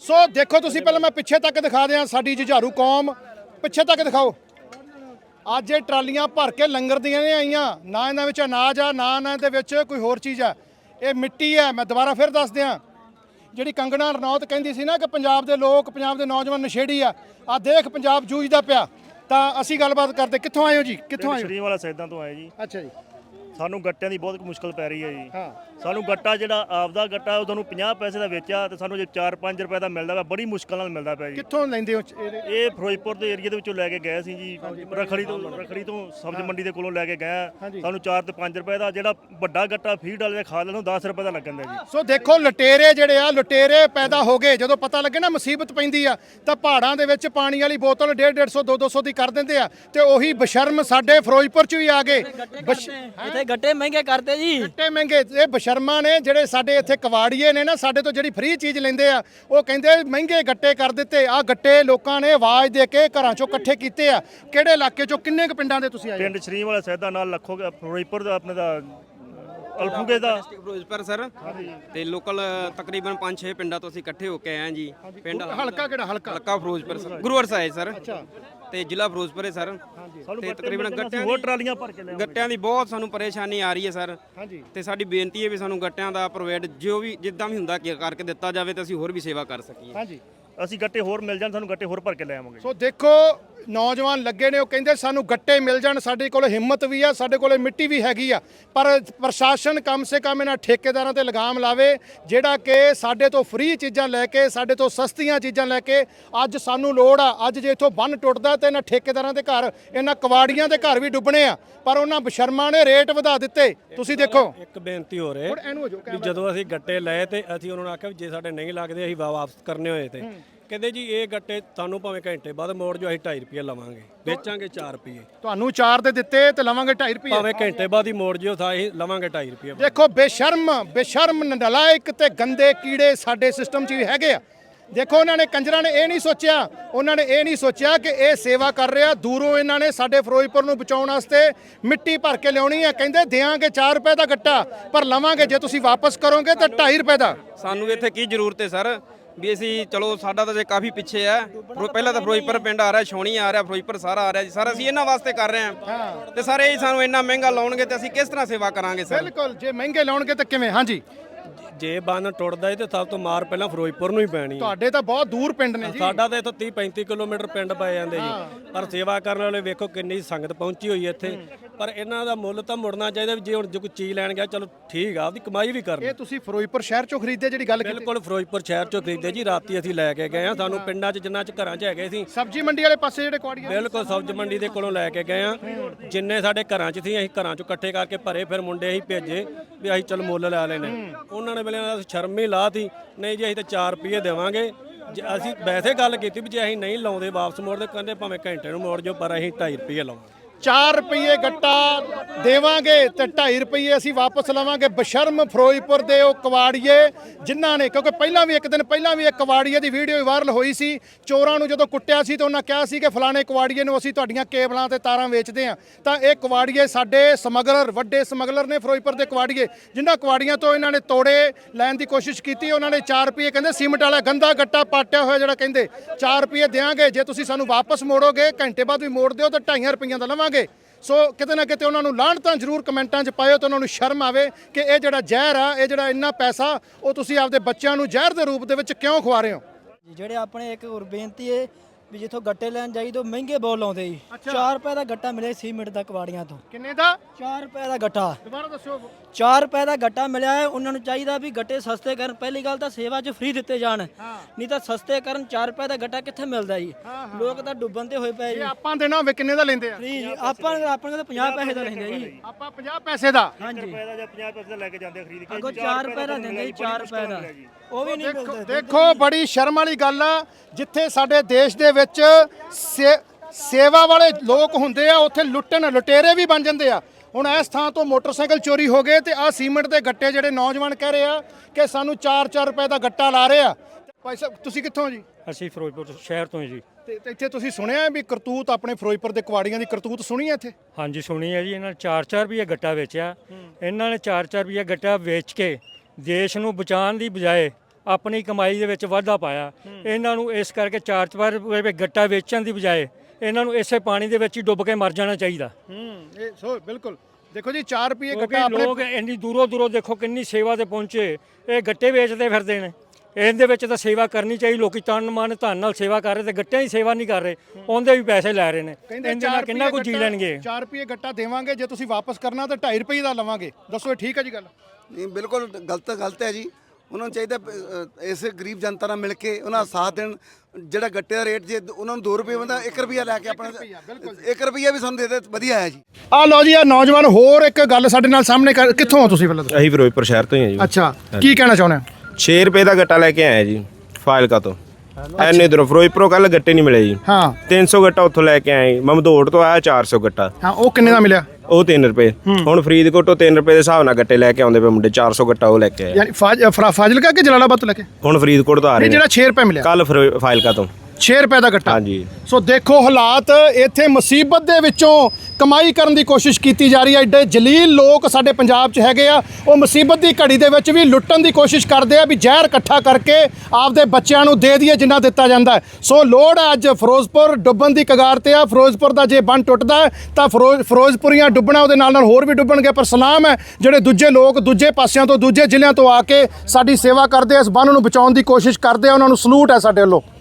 ਸੋ ਦੇਖੋ ਤੁਸੀਂ ਪਹਿਲਾਂ ਮੈਂ ਪਿੱਛੇ ਤੱਕ ਦਿਖਾ ਦਿਆਂ ਸਾਡੀ ਜੁਝਾਰੂ ਕੌਮ ਪਿੱਛੇ ਤੱਕ ਦਿਖਾਓ। ਅੱਜ ਇਹ ਟਰਾਲੀਆਂ ਭਰ ਕੇ ਲੰਗਰ ਦੀਆਂ ਨੇ ਆਈਆਂ, ਨਾ ਇਹਨਾਂ ਵਿੱਚ ਅਨਾਜ ਆ ਨਾ ਇਹਨਾਂ ਦੇ ਵਿੱਚ ਕੋਈ ਹੋਰ ਚੀਜ਼ ਆ, ਇਹ ਮਿੱਟੀ ਹੈ। ਮੈਂ ਦੁਬਾਰਾ ਫਿਰ ਦੱਸ ਦਿਆਂ, ਜਿਹੜੀ ਕੰਗਣਾ ਰਣੌਤ ਕਹਿੰਦੀ ਸੀ ਨਾ ਕਿ ਪੰਜਾਬ ਦੇ ਲੋਕ ਪੰਜਾਬ ਦੇ ਨੌਜਵਾਨ ਨਸ਼ੇੜੀ ਆ ਦੇਖ ਪੰਜਾਬ ਜੂਝਦਾ ਪਿਆ। ਤਾਂ ਅਸੀਂ ਗੱਲਬਾਤ ਕਰਦੇ, ਕਿੱਥੋਂ ਆਏ ਹੋ ਜੀ, ਕਿੱਥੋਂ ਆਏ ਹੋ? ਸ਼੍ਰੀਵਾਲਾ ਸੈਦਾਂ ਤੋਂ ਆਏ ਜੀ। ਅੱਛਾ ਜੀ। ਸਾਨੂੰ ਗੱਟਿਆਂ ਦੀ ਬਹੁਤ ਮੁਸ਼ਕਲ ਪੈ ਰਹੀ ਹੈ ਜੀ। ਹਾਂ। ਸਾਨੂੰ ਗੱਟਾ ਜਿਹੜਾ ਆਪਦਾ ਗੱਟਾ ਉਹ ਤੁਹਾਨੂੰ 50 ਪੈਸੇ ਦਾ ਵੇਚਿਆ ਤੇ ਸਾਨੂੰ ਜੇ 4-5 ਰੁਪਏ ਦਾ ਮਿਲਦਾ ਵਾ, ਬੜੀ ਮੁਸ਼ਕਲ ਨਾਲ ਮਿਲਦਾ ਪਿਆ ਜੀ। ਕਿੱਥੋਂ ਲੈਂਦੇ ਹੋ ਇਹ ਫਿਰੋਜ਼ਪੁਰ ਦੇ ਏਰੀਆ ਦੇ ਵਿੱਚੋਂ ਲੈ ਕੇ ਗਏ ਸੀ ਜੀ, ਰਖੜੀ ਤੋਂ ਸਬਜ਼ੀ ਮੰਡੀ ਦੇ ਕੋਲੋਂ ਲੈ ਕੇ ਗਏ। ਸਾਨੂੰ 4 ਤੇ 5 ਰੁਪਏ ਦਾ, ਜਿਹੜਾ ਵੱਡਾ ਗੱਟਾ ਫੀਡ ਵਾਲੇ ਖਾ ਲੈਣ ਨੂੰ 10 ਰੁਪਏ ਦਾ ਲੱਗਣ ਦਾ ਜੀ। ਸੋ ਦੇਖੋ ਲੁਟੇਰੇ ਜਿਹੜੇ ਆ, ਲੁਟੇਰੇ ਪੈਦਾ ਹੋ ਗਏ। ਜਦੋਂ ਪਤਾ ਲੱਗੇ ਨਾ ਮੁਸੀਬਤ ਪੈਂਦੀ ਆ ਤਾਂ ਪਹਾੜਾਂ ਦੇ ਵਿੱਚ ਪਾਣੀ ਵਾਲੀ ਬੋਤਲ 150-150 200 ਦੀ ਕਰ ਦਿੰਦੇ ਆ। ਤੇ ਉਹੀ ਬਸ਼ਰਮ ਸਾਡੇ ਫਿਰੋਜ਼ਪੁਰ ਚ ਵੀ ਆ ਗਏ। ਇੱਥੇ ਗੱਟੇ ਮਹਿੰਗੇ ਕਰਦੇ ਜੀ, ਗੱਟੇ ਮਹਿੰਗੇ। ਇਹ ਬਸ਼ਰਮਾ ਨੇ ਜਿਹੜੇ ਸਾਡੇ ਇੱਥੇ ਕਵਾੜੀਏ ਨੇ ਨਾ, ਸਾਡੇ ਤੋਂ ਜਿਹੜੀ ਫ੍ਰੀ ਚੀਜ਼ ਲੈਂਦੇ ਆ, ਉਹ ਕਹਿੰਦੇ ਮਹਿੰਗੇ ਗੱਟੇ ਕਰ ਦਿੱਤੇ। ਆ ਗੱਟੇ ਲੋਕਾਂ ਨੇ ਆਵਾਜ਼ ਦੇ ਕੇ ਘਰਾਂ ਚੋਂ ਇਕੱਠੇ ਕੀਤੇ ਆ। ਕਿਹੜੇ ਇਲਾਕੇ ਚੋਂ, ਕਿੰਨੇ ਕੁ ਪਿੰਡਾਂ ਦੇ ਤੁਸੀਂ ਆਏ? ਪਿੰਡ ਸ਼੍ਰੀਵਾਲਾ ਸੈਦਾਂ ਨਾਲ ਲੱਖੋ ਫਿਰੋਜ਼ਪੁਰ ਦਾ ਆਪਣੇ ਦਾ ਅਲਫੂਗੇ ਦਾ ਫਿਰੋਜ਼ਪੁਰ ਸਰ ਤੇ ਲੋਕਲ ਤਕਰੀਬਨ 5-6 ਪਿੰਡਾਂ ਤੋਂ ਅਸੀਂ ਇਕੱਠੇ ਹੋ ਕੇ ਆਏ ਹਾਂ ਜੀ। ਪਿੰਡ ਹਲਕਾ ਕਿਹੜਾ? ਹਲਕਾ ਫਿਰੋਜ਼ਪੁਰ ਸਰ, ਗੁਰੂਵਰ ਸਾਹਿਬ ਸਰ ਤੇ ਜ਼ਿਲ੍ਹਾ ਫਿਰੋਜ਼ਪੁਰ ਹੈ ਸਰ। ਤੇ ਤਕਰੀਬਨ ਹੋਰ ਟਰਾਲੀਆਂ ਭਰ ਕੇ ਗੱਟਿਆਂ ਦੀ ਬਹੁਤ ਸਾਨੂੰ ਪਰੇਸ਼ਾਨੀ ਆ ਰਹੀ ਹੈ ਸਰ। ਤੇ ਸਾਡੀ ਬੇਨਤੀ ਹੈ ਵੀ ਸਾਨੂੰ ਗੱਟਿਆਂ ਦਾ ਪ੍ਰੋਵਾਈਡ ਜੋ ਵੀ ਜਿੱਦਾਂ ਵੀ ਹੁੰਦਾ ਕਰਕੇ ਦਿੱਤਾ ਜਾਵੇ ਤੇ ਅਸੀਂ ਹੋਰ ਵੀ ਸੇਵਾ ਕਰ ਸਕੀਏ। ਹਾਂਜੀ, ਅਸੀਂ ਗੱਟੇ ਹੋਰ ਮਿਲ ਜਾਣ, ਸਾਨੂੰ ਗੱਟੇ ਹੋਰ ਭਰ ਕੇ ਲੈ ਆਵਾਂਗੇ। ਸੋ ਦੇਖੋ ਨੌਜਵਾਨ ਲੱਗੇ ਨੇ, ਉਹ ਕਹਿੰਦੇ ਸਾਨੂੰ ਗੱਟੇ ਮਿਲ ਜਾਣ, ਸਾਡੇ ਕੋਲ ਹਿੰਮਤ ਵੀ ਆ, ਸਾਡੇ ਕੋਲ ਮਿੱਟੀ ਵੀ ਹੈਗੀ ਆ, ਪਰ ਪ੍ਰਸ਼ਾਸਨ ਕਮ ਸੇ ਕਮ ਇਹਨਾਂ ਠੇਕੇਦਾਰਾਂ ਤੇ ਲਗਾਮ ਲਾਵੇ, ਜਿਹੜਾ ਕਿ ਸਾਡੇ ਤੋਂ ਫ੍ਰੀ ਚੀਜ਼ਾਂ ਲੈ ਕੇ, ਸਾਡੇ ਤੋਂ ਸਸਤੀਆਂ ਚੀਜ਼ਾਂ ਲੈ ਕੇ। ਅੱਜ ਸਾਨੂੰ ਲੋੜ ਆ, ਅੱਜ ਜੇ ਇੱਥੋਂ ਬੰਨ ਟੁੱਟਦਾ ਤੇ ਇਹਨਾਂ ਠੇਕੇਦਾਰਾਂ ਦੇ ਘਰ, ਇਹਨਾਂ ਕਵਾੜੀਆਂ ਦੇ ਘਰ ਵੀ ਡੁੱਬਣੇ ਆ, ਪਰ ਉਹਨਾਂ ਬਸ਼ਰਮਾਂ ਨੇ ਰੇਟ ਵਧਾ ਦਿੱਤੇ। ਤੁਸੀਂ ਦੇਖੋ। ਇੱਕ ਬੇਨਤੀ ਹੋ ਰਹੀ ਇਹਨੂੰ ਹੋ ਜਾਓ ਵੀ ਜਦੋਂ ਅਸੀਂ ਗੱਟੇ ਲਏ ਤੇ ਅਸੀਂ ਉਹਨਾਂ ਨੂੰ ਆਖਿਆ ਵੀ ਜੇ ਸਾਡੇ ਨਹੀਂ ਲੱਗਦੇ ਅਸੀਂ ਵਾਪਸ ਕਰਨੇ ਹੋਏ ਤੇ ਕਹਿੰਦੇ ਜੀ ਇਹ ਗੱਟੇ ਤੁਹਾਨੂੰ ਭਾਵੇਂ ਘੰਟੇ ਬਾਅਦ ਮੋੜ ਜੋ ਅਸੀਂ 2.5 ਰੁਪਏ ਲਵਾਂਗੇ, ਵੇਚਾਂਗੇ 4 ਰੁਪਏ। ਤੁਹਾਨੂੰ 4 ਦੇ ਦਿੱਤੇ ਤੇ ਲਵਾਂਗੇ 2.5 ਰੁਪਏ। ਭਾਵੇਂ ਘੰਟੇ ਬਾਅਦ ਹੀ ਮੋੜ ਜਿਓ ਤਾਂ ਅਸੀਂ ਲਵਾਂਗੇ 2.5 ਰੁਪਏ। ਦੇਖੋ ਬੇਸ਼ਰਮ ਨਲਾਇਕ ਤੇ ਗੰਦੇ ਕੀੜੇ ਸਾਡੇ ਸਿਸਟਮ 'ਚ ਵੀ ਹੈਗੇ ਆ। ਦੇਖੋ ਉਹਨਾਂ ਨੇ ਕੰਜਰਾਂ ਨੇ ਇਹ ਨਹੀਂ ਸੋਚਿਆ, ਉਹਨਾਂ ਨੇ ਇਹ ਨਹੀਂ ਸੋਚਿਆ ਕਿ ਇਹ ਸੇਵਾ ਕਰ ਰਿਹਾ। ਦੂਰੋਂ ਇਹਨਾਂ ਨੇ ਸਾਡੇ ਫਿਰੋਜ਼ਪੁਰ ਨੂੰ ਬਚਾਉਣ ਵਾਸਤੇ ਮਿੱਟੀ ਭਰ ਕੇ ਲਿਆਉਣੀ ਹੈ। ਕਹਿੰਦੇ ਦਿਆਂਗੇ 4 ਰੁਪਏ ਦਾ ਗੱਟਾ, ਪਰ ਲਵਾਂਗੇ ਜੇ ਤੁਸੀਂ ਵਾਪਸ ਕਰੋਗੇ ਤਾਂ 2.5 ਰੁਪਏ ਦਾ। ਸਾਨੂੰ ਇੱਥੇ ਕੀ ਜ਼ਰੂਰਤ ਹੈ ਸਰ ਵੀ ਅਸੀਂ ਚਲੋ ਸਾਡਾ ਤਾਂ ਜੇ ਕਾਫੀ ਪਿੱਛੇ ਆ। ਪਹਿਲਾਂ ਤਾਂ ਫਿਰੋਜ਼ਪੁਰ ਪਿੰਡ ਆ ਰਿਹਾ, ਛੋਣੀ ਆ ਰਿਹਾ, ਫਿਰੋਜ਼ਪੁਰ ਸਾਰਾ ਆ ਰਿਹਾ ਜੀ। ਸਰ ਅਸੀਂ ਇਹਨਾਂ ਵਾਸਤੇ ਕਰ ਰਹੇ ਹਾਂ ਤੇ ਸਾਰੇ ਹੀ ਸਾਨੂੰ ਇੰਨਾ ਮਹਿੰਗਾ ਲਾਉਣਗੇ ਤੇ ਅਸੀਂ ਕਿਸ ਤਰ੍ਹਾਂ ਸੇਵਾ ਕਰਾਂਗੇ ਸਰ? ਬਿਲਕੁਲ, ਜੇ ਮਹਿੰਗੇ ਲਾਉਣਗੇ ਤਾਂ ਕਿਵੇਂ? ਹਾਂਜੀ, ਜੇ ਬੰਨ ਟੁੱਟਦਾ ਹੈ ਤੇ ਸਭ ਤੋਂ ਮਾਰ ਪਹਿਲਾਂ ਫਿਰੋਜ਼ਪੁਰ ਨੂੰ ਹੀ ਪੈਣੀ ਹੈ। ਤੁਹਾਡੇ ਤਾਂ ਬਹੁਤ ਦੂਰ ਪਿੰਡ ਨੇ ਜੀ। ਸਾਡਾ ਤਾਂ ਇੱਥੋਂ 30-35 ਕਿਲੋਮੀਟਰ ਪਿੰਡ ਪੈ ਜਾਂਦੇ ਜੀ, ਪਰ ਸੇਵਾ ਕਰਨ ਵਾਲੇ ਵੇਖੋ ਕਿੰਨੀ ਸੰਗਤ ਪਹੁੰਚੀ ਹੋਈ ਹੈ ਇੱਥੇ। ਪਰ ਇਹਨਾਂ ਦਾ ਮੁੱਲ ਤਾਂ ਮੁੜਨਾ ਚਾਹੀਦਾ ਵੀ ਜੇ ਹੁਣ ਜੇ ਕੋਈ ਚੀਜ਼ ਲੈਣ ਗਿਆ ਚਲੋ ਠੀਕ ਆ, ਉਹਦੀ ਕਮਾਈ ਵੀ ਕਰਨੀ। ਇਹ ਤੁਸੀਂ ਫਿਰੋਜ਼ਪੁਰ ਸ਼ਹਿਰ ਚੋਂ ਖਰੀਦੇ ਜਿਹੜੀ ਗੱਲ ਕੀਤੀ? ਬਿਲਕੁਲ ਫਿਰੋਜ਼ਪੁਰ ਸ਼ਹਿਰ ਚੋਂ ਖਰੀਦੇ ਜੀ, ਰਾਤੀ ਅਸੀਂ ਲੈ ਕੇ ਗਏ ਆ। ਸਾਨੂੰ ਪਿੰਡਾਂ 'ਚ ਜਿੰਨਾ 'ਚ ਘਰਾਂ 'ਚ ਹੈਗੇ ਸੀ, ਸਬਜ਼ੀ ਮੰਡੀ ਵਾਲੇ ਪਾਸੇ ਜਿਹੜੇ ਕੁਆੜੀਆਂ, ਬਿਲਕੁਲ ਸਬਜ਼ੀ ਮੰਡੀ ਦੇ ਕੋਲੋਂ ਲੈ ਕੇ ਗਏ ਆ। ਜਿੰਨੇ ਸਾਡੇ ਘਰਾਂ 'ਚ ਸੀ ਅਸੀਂ ਘਰਾਂ 'ਚੋਂ ਇਕੱਠੇ ਕਰਕੇ ਭਰੇ, ਫਿਰ ਮੁੰਡੇ ਅਸੀਂ ਭੇਜੇ ਵੀ ਅਸੀਂ ਚਲ ਮੁੱਲ ਲੈ ਲੈਣੇ। ਉਹਨਾਂ ਨੇ ਵੇਲੇ ਸ਼ਰਮ ਹੀ ਲਾਤੀ, ਨਹੀਂ ਜੀ ਅਸੀਂ ਤਾਂ 4 ਰੁਪਏ ਦੇਵਾਂਗੇ। ਅਸੀਂ ਵੈਸੇ ਗੱਲ ਕੀਤੀ ਵੀ ਜੇ ਅਸੀਂ ਨਹੀਂ ਲਾਉਂਦੇ ਵਾਪਸ ਮੋੜਦੇ, ਕਹਿੰਦੇ ਭਾਵੇਂ ਘੰਟੇ ਨੂੰ ਮੋੜ ਜਾਓ ਪਰ ਅਸੀਂ 2.5 ਰੁਪਏ ਲਾਵਾਂਗੇ। 4 ਰੁਪਏ ਗੱਟਾ ਦੇਵਾਂਗੇ ਤੇ 2.5 ਰੁਪਏ ਅਸੀਂ ਵਾਪਸ ਲਵਾਂਗੇ। ਬਸ਼ਰਮ ਫਿਰੋਜ਼ਪੁਰ ਦੇ ਉਹ ਕਵਾੜੀਏ ਜਿਨ੍ਹਾਂ ਨੇ, ਕਿਉਂਕਿ ਪਹਿਲਾਂ ਵੀ ਇੱਕ ਦਿਨ ਪਹਿਲਾਂ ਵੀ ਇੱਕ ਕਵਾੜੀਏ ਦੀ ਵੀਡੀਓ ਵਾਇਰਲ ਹੋਈ ਸੀ। ਚੋਰਾਂ ਨੂੰ ਜਦੋਂ ਕੁੱਟਿਆ ਸੀ ਤਾਂ ਉਹਨਾਂ ਕਿਹਾ ਸੀ ਕਿ ਫਲਾਣੇ ਕਵਾੜੀਏ ਨੂੰ ਅਸੀਂ ਤੁਹਾਡੀਆਂ ਕੇਬਲਾਂ ਤੇ ਤਾਰਾਂ ਵੇਚਦੇ ਹਾਂ। ਤਾਂ ਇਹ ਕਵਾੜੀਏ ਸਾਡੇ ਸਮਗਲਰ, ਵੱਡੇ ਸਮਗਲਰ ਨੇ ਫਿਰੋਜ਼ਪੁਰ ਦੇ ਕਵਾੜੀਏ, ਜਿਨ੍ਹਾਂ ਕਵਾੜੀਆਂ ਤੋਂ ਇਹਨਾਂ ਨੇ ਤੋੜੇ ਲੈਣ ਦੀ ਕੋਸ਼ਿਸ਼ ਕੀਤੀ। ਉਹਨਾਂ ਨੇ 4 ਰੁਪਏ ਕਹਿੰਦੇ ਸੀਮਟ ਵਾਲਾ ਗੰਦਾ ਗੱਟਾ ਪਾਟਿਆ ਹੋਇਆ ਜਿਹੜਾ ਕਹਿੰਦੇ 4 ਰੁਪਏ ਦੇਵਾਂਗੇ, ਜੇ ਤੁਸੀਂ ਸਾਨੂੰ ਵਾਪਸ ਮੋੜੋਗੇ ਘੰਟੇ ਬਾਅਦ ਵੀ ਮੋੜ ਦਿਓ ਤਾਂ 2.5 ਰੁਪਈਆਂ ਦਾ ਲਵਾਂਗੇ। ਸੋ ਕਿਤੇ ਨਾ ਕਿਤੇ ਉਹਨਾਂ ਨੂੰ ਲਾਹਣਤਾਂ ਜ਼ਰੂਰ ਕਮੈਂਟਾਂ 'ਚ ਪਾਇਓ ਤਾਂ ਉਹਨਾਂ ਨੂੰ ਸ਼ਰਮ ਆਵੇ ਕਿ ਇਹ ਜਿਹੜਾ ਜ਼ਹਿਰ ਆ, ਇਹ ਜਿਹੜਾ ਇੰਨਾ ਪੈਸਾ ਉਹ ਤੁਸੀਂ ਆਪਦੇ ਬੱਚਿਆਂ ਨੂੰ ਜ਼ਹਿਰ ਦੇ ਰੂਪ ਦੇ ਵਿੱਚ ਕਿਉਂ ਖਵਾ ਰਹੇ ਹੋ? ਜਿਹੜੇ ਆਪਣੇ ਇੱਕ ਹੋਰ ਬੇਨਤੀ ਹੈ ਵੀ ਜਿੱਥੋਂ ਗੱਟੇ ਲੈਣ ਜਾਈ ਤਾਂ ਮਹਿੰਗੇ ਬਹੁਤ ਲਾਉਂਦੇ ਜੀ। 4 ਰੁਪਏ ਦਾ ਗੱਟਾ ਮਿਲਿਆ ਸੀਮਿੰਟ ਦਾ ਕਵਾੜੀਆਂ ਤੋਂ। ਕਿੰਨੇ ਦਾ? 4 ਰੁਪਏ ਦਾ ਗੱਟਾ। ਦੁਬਾਰਾ ਦੱਸੋ। 4 ਰੁਪਏ ਦਾ ਗੱਟਾ ਮਿਲਿਆ ਹੈ। ਉਹਨਾਂ ਨੂੰ ਚਾਹੀਦਾ ਵੀ ਗੱਟੇ ਸਸਤੇ ਕਰਨ। ਪਹਿਲੀ ਗੱਲ ਤਾਂ ਸੇਵਾ 'ਚ ਫ੍ਰੀ ਦਿੱਤੇ ਜਾਣ, ਨਹੀਂ ਤਾਂ ਸਸਤੇ ਕਰਨ। 4 ਰੁਪਏ ਦਾ ਗੱਟਾ ਕਿੱਥੇ ਮਿਲਦਾ ਜੀ? ਲੋਕ ਤਾਂ ਡੁੱਬਣ ਤੇ ਹੋਏ ਪਏ ਜੀ। ਆਪਾਂ ਦੇਣਾ ਹੋਵੇ ਕਿੰਨੇ ਦਾ ਲੈਂਦੇ ਆ? ਫ੍ਰੀ ਜੀ। ਆਪਾਂ ਤਾਂ 50 ਪੈਸੇ ਦਾ ਲੈਂਦੇ ਜੀ। ਆਪਾਂ 50 ਪੈਸੇ ਦਾ। ਹਾਂਜੀ, ਰੁਪਏ ਦਾ ਜਾਂ 50 ਪੈਸੇ ਦਾ ਲੈ ਕੇ ਜਾਂਦੇ ਖਰੀਦ ਕੇ। ਅੱਗੋਂ 4 ਰੁਪਏ ਦਾ ਦਿੰਦੇ ਜੀ। 4 ਰੁਪਏ ਦਾ ਉਹ ਵੀ ਨਹੀਂ ਮਿਲਦਾ। ਦੇਖੋ ਬੜੀ ਸ਼ਰਮ ਵਾਲੀ ਗੱਲ ਆ, ਜਿੱਥੇ ਸਾਡੇ ਦੇਸ਼ ਦੇ ਵਿੱਚ ਸੇਵਾ ਵਾਲੇ ਲੋਕ ਹੁੰਦੇ ਆ ਉੱਥੇ ਲੁਟੇਰੇ ਵੀ ਬਣ ਜਾਂਦੇ ਆ। ਹੁਣ ਇਸ ਥਾਂ ਤੋਂ ਮੋਟਰਸਾਈਕਲ ਚੋਰੀ ਹੋ ਗਏ ਤੇ ਆ ਸੀਮੈਂਟ ਦੇ ਗੱਟੇ ਜਿਹੜੇ ਨੌਜਵਾਨ ਕਹਿ ਰਹੇ ਆ ਕਿ ਸਾਨੂੰ 4-4 ਰੁਪਏ ਦਾ ਗੱਟਾ ਲਾ ਰਹੇ ਆ। ਭਾਈ ਸਾਹਿਬ ਤੁਸੀਂ ਕਿੱਥੋਂ ਜੀ? ਅਸੀਂ ਫਿਰੋਜ਼ਪੁਰ ਸ਼ਹਿਰ ਤੋਂ ਜੀ। ਤੇ ਇੱਥੇ ਤੁਸੀਂ ਸੁਣਿਆ ਵੀ ਕਰਤੂਤ ਆਪਣੇ ਫਿਰੋਜ਼ਪੁਰ ਦੇ ਕੁਆੜੀਆਂ ਦੀ ਕਰਤੂਤ ਸੁਣੀ ਹੈ ਇੱਥੇ? ਹਾਂਜੀ ਸੁਣੀ ਹੈ ਜੀ। ਇਹਨਾਂ ਨੇ 4-4 ਰੁਪਏ ਗੱਟਾ ਵੇਚਿਆ। ਇਹਨਾਂ ਨੇ 4-4 ਰੁਪਏ ਗੱਟਾ ਵੇਚ ਕੇ ਦੇਸ਼ ਨੂੰ ਬਚਾਉਣ ਦੀ ਬਜਾਏ ਆਪਣੀ ਕਮਾਈ ਦੇ ਵਿੱਚ ਵਾਧਾ ਪਾਇਆ। ਇਹਨਾਂ ਨੂੰ ਇਸ ਕਰਕੇ 4 ਰੁਪਏ ਗੱਟਾ ਵੇਚਣ ਦੀ ਬਜਾਏ ਇਹਨਾਂ ਨੂੰ ਇਸੇ ਪਾਣੀ ਦੇ ਵਿੱਚ ਹੀ ਡੁੱਬ ਕੇ ਮਰ ਜਾਣਾ ਚਾਹੀਦਾ। ਇਹ ਸੋ ਬਿਲਕੁਲ ਦੇਖੋ ਜੀ 4 ਰੁਪਏ ਕਿਉਂਕਿ ਗੱਟਾ ਆਪਣੇ ਲੋਕ ਇੰਨੀ ਦੂਰੋਂ ਦੇਖੋ ਕਿੰਨੀ ਸੇਵਾ ਤੇ ਪਹੁੰਚੇ, ਇਹ ਗੱਟੇ ਵੇਚਦੇ ਫਿਰਦੇ ਨੇ। ਇਹਦੇ ਵਿੱਚ ਤਾਂ ਸੇਵਾ ਕਰਨੀ ਚਾਹੀਦੀ। ਲੋਕੀ ਤਨ ਮਨ ਧਨ ਨਾਲ ਸੇਵਾ ਕਰ ਰਹੇ ਤੇ ਗੱਟਿਆਂ ਦੀ ਸੇਵਾ ਨਹੀਂ ਕਰ ਰਹੇ, ਉਹਦੇ ਵੀ ਪੈਸੇ ਲੈ ਰਹੇ ਨੇ। ਇਹਦੇ ਨਾਲ ਕਿੰਨਾ ਕੁ ਜੀ ਲੈਣਗੇ। 4 ਰੁਪਏ ਗੱਟਾ ਦੇਵਾਂਗੇ, ਜੇ ਤੁਸੀਂ ਵਾਪਸ ਕਰਨਾ ਤਾਂ 2.5 ਰੁਪਏ ਦਾ ਲਵਾਂਗੇ। ਦੱਸੋ ਇਹ ਠੀਕ ਹੈ ਜੀ ਗੱਲ? ਨਹੀਂ, ਬਿਲਕੁਲ ਗਲਤ ਹੈ ਜੀ। ਉਹਨਾਂ ਨੂੰ ਚਾਹੀਦਾ ਇਸ ਗਰੀਬ ਜਨਤਾ ਨਾਲ ਮਿਲ ਕੇ ਉਹਨਾਂ ਦਾ ਸਾਥ ਦੇਣ। ਜਿਹੜਾ ਗੱਟੇ ਦਾ ਰੇਟ ਜੇ ਉਹਨਾਂ ਨੂੰ 2 ਰੁਪਏ ਬੰਦਾ 1 ਰੁਪਿਆ ਲੈ ਕੇ ਆਪਣਾ 1 ਰੁਪਿਆ ਵੀ ਸਾਨੂੰ ਦੇ ਦੇ, ਵਧੀਆ ਹੈ ਜੀ। ਆ ਲਓ ਜੀ, ਆ ਨੌਜਵਾਨ ਹੋਰ ਇੱਕ ਗੱਲ ਸਾਡੇ ਨਾਲ ਸਾਹਮਣੇ ਕਿੱਥੋਂ ਹੋ ਤੁਸੀਂ ਪਹਿਲਾਂ? ਅਸੀਂ ਫਿਰੋਜ਼ਪੁਰ ਸ਼ਹਿਰ ਤੋਂ ਹੀ ਆ ਜੀ। ਅੱਛਾ, ਕੀ ਕਹਿਣਾ ਚਾਹੁੰਦੇ ਹੋ? 6 ਰੁਪਏ ਦਾ ਗੱਟਾ ਲੈ ਕੇ ਆਇਆ ਜੀ ਫਾਜ਼ਿਲਕਾ ਤੋਂ। ਐਨੇ ਇਧਰੋਂ ਫਿਰੋਜ਼ਪੁਰੋਂ ਕੱਲ ਗੱਟੇ ਨਹੀਂ ਮਿਲੇ ਜੀ। ਹਾਂ 300 ਗੱਟਾ ਉੱਥੋਂ ਲੈ ਕੇ ਆਏ। ਮਮਦੋੜ ਤੋਂ ਆਇਆ 400 ਗੱਟਾ। ਹਾਂ, ਉਹ ਕਿੰਨੇ ਦਾ ਮਿਲਿਆ? ਉਹ 3 ਰੁਪਏ। ਹੁਣ ਫਰੀਦਕੋਟੋਂ 3 ਰੁਪਏ ਦੇ ਹਿਸਾਬ ਨਾਲ ਗੱਟੇ ਲੈ ਕੇ ਆਉਂਦੇ ਪਏ ਮੁੰਡੇ। 400 ਗੱਟਾ ਉਹ ਲੈ ਕੇ ਆਏ। ਯਾਨੀ ਫਾਜ਼ਿਲਕਾ ਕਿ ਜਲਾਲਾਬਾਦ ਤੋਂ ਲੈ ਕੇ? ਹੁਣ ਫਰੀਦਕੋਟ ਤੋਂ ਆ ਰਹੇ ਨਹੀਂ, ਜਿਹੜਾ 6 ਰੁਪਏ ਮਿਲਿਆ ਕੱਲ ਫਾਜ਼ਿਲਕਾ ਤੋਂ 6 ਰੁਪਏ ਦਾ ਗੱਟਾ। ਹਾਂਜੀ। ਸੋ ਦੇਖੋ ਹਾਲਾਤ, ਇੱਥੇ ਮੁਸੀਬਤ ਦੇ ਵਿੱਚੋਂ ਕਮਾਈ ਕਰਨ ਦੀ ਕੋਸ਼ਿਸ਼ ਕੀਤੀ ਜਾ ਰਹੀ ਹੈ। ਐਡੇ ਜਲੀਲ ਲੋਕ ਸਾਡੇ ਪੰਜਾਬ 'ਚ ਹੈਗੇ ਆ, ਉਹ ਮੁਸੀਬਤ ਦੀ ਘੜੀ ਦੇ ਵਿੱਚ ਵੀ ਲੁੱਟਣ ਦੀ ਕੋਸ਼ਿਸ਼ ਕਰਦੇ ਆ ਵੀ ਜ਼ਹਿਰ ਇਕੱਠਾ ਕਰਕੇ ਆਪਦੇ ਬੱਚਿਆਂ ਨੂੰ ਦੇ ਦਈਏ ਜਿੰਨਾ ਦਿੱਤਾ ਜਾਂਦਾ ਹੈ। ਸੋ ਲੋੜ ਹੈ ਅੱਜ ਫਿਰੋਜ਼ਪੁਰ ਡੁੱਬਣ ਦੀ ਕਗਾਰ ਤੇ ਆ। ਫਿਰੋਜ਼ਪੁਰ ਦਾ ਜੇ ਬੰਨ ਟੁੱਟਦਾ ਹੈ ਤਾਂ ਫਿਰੋਜ਼ਪੁਰੀਆਂ ਡੁੱਬਣਾ, ਉਹਦੇ ਨਾਲ ਹੋਰ ਵੀ ਡੁੱਬਣਗੇ। ਪਰ ਸਲਾਮ ਹੈ ਜਿਹੜੇ ਦੂਜੇ ਲੋਕ ਦੂਜੇ ਪਾਸਿਆਂ ਤੋਂ ਦੂਜੇ ਜ਼ਿਲ੍ਹਿਆਂ ਤੋਂ ਆ ਕੇ ਸਾਡੀ ਸੇਵਾ ਕਰਦੇ ਆ, ਇਸ ਬੰਨ ਨੂੰ ਬਚਾਉਣ ਦੀ ਕੋਸ਼ਿਸ਼ ਕਰਦੇ ਆ, ਉਹਨਾਂ ਨੂੰ ਸਲੂਟ ਹੈ ਸਾਡੇ ਵੱਲੋਂ।